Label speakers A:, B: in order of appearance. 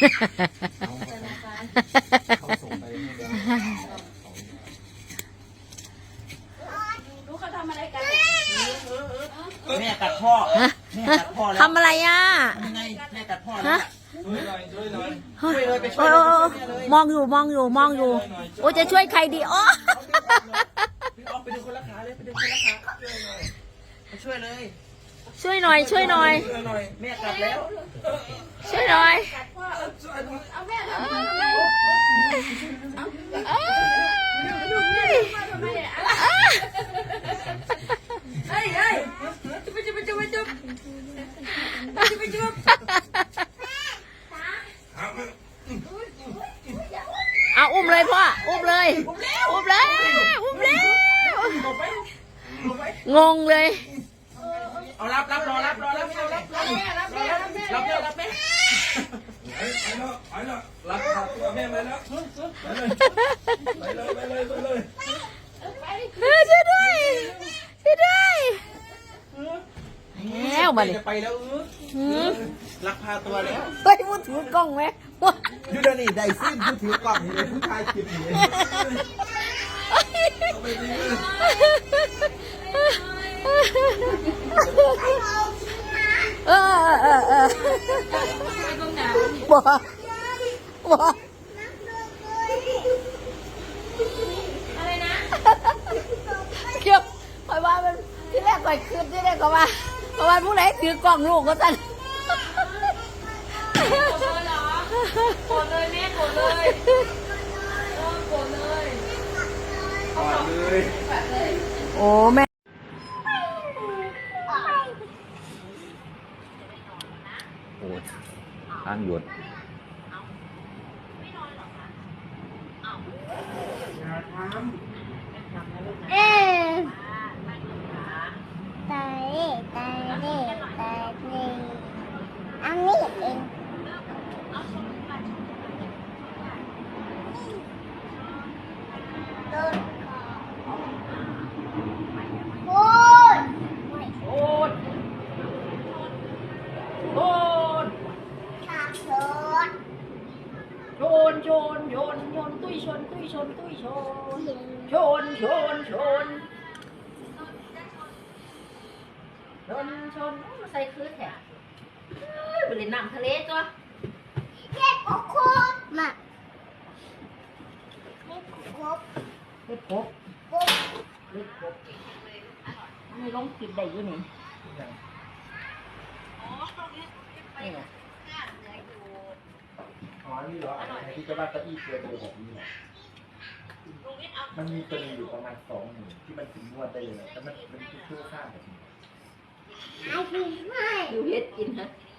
A: เขาส่งไปให้แล้ว
B: รู้เขาทำอะไรกัน
A: แม่กัดพ่อแม่กัดพ่อแล้ว
C: ทำอะไรอ่ะ
A: ยังไงแม่กัดพ่อแล้วช่วยหน่อยช่วยหน่อยช่วยเลยไปช่
C: โอ้
A: วยเลย
C: มองอยู่มองอยู่มองอยู่โอ้จะช่วยใครดีอ๋อ
A: เอาไปดึงคนละขาเลยไปดึงคนละขาช่วยเลย
C: ช่วยหน่อยช่วยหน่อย
A: ช่วยหน่อยแม่กัดแล้ว
C: ช่วยหน่อย
B: เอาแม่ทำไมเฮ้ยเฮ้ยจุ๊บจุ๊บจุ๊บจุ๊บจุ๊บ
C: เอาอุ้มเลยพ่ออุ้มเลยอุ้มเลยอุ้มแล้วงงเลย
A: เอารับรอรับรับแม่รับแม่ไปแล้วรับขัดตัวแม่ไปแล้วไปเลย
C: ช่วยด้วยช่วยด้วยแล้วมาดิ
A: ไปแล้วรักพาตัวแล้ว
C: เฮ้ยพูดถือกล้องไหม
A: ดูเดี๋ยวนี้ได้ซิ่งผู้ถือกล่องนี่เลยผู้ชายคลิปนี่
C: บ่บ่
B: อะไรนะ
C: เกี่ยวคอยว่ามันที่แรกคอยคืนที่แรกก็ว่าเพราะว่าผู้ใดถือกล้องลูกก็สั่น
B: โกรธเลยเหรอโกรธเลยแม่โกรธเลยโกรธเลย
A: กอดเลย
C: โอ้แม่
A: โอ้ทางหยด
D: เอ๊ะตายตายนี่ตายนี่อันนี้เองโดนโอ้ย
B: โกรธโกรธ
D: ตาโดน
B: โยนตุ้ยชนชนชนมาใส่คืนแถะไปเล่นน้ำทะเลจ้ะ
D: เจ็บโอ้โหมาเจ็บโอ้โห
B: เล็บกบ
D: โอ้
B: เล็บกบนี่ลงคลิปได้อยู่นี่นี่ไง
A: อ๋อนี่เหรอที่จะว่าตะอี้เกินเลยแบบนี้มันมีตัวนึงอยู่ประมาณ20,000ที่มันถึงนวดได้เลยนะแต่มันคือเพื่อข้ามแบบนี้
D: หายไปไหม
B: ดูเฮ็ดกินนะ
D: ห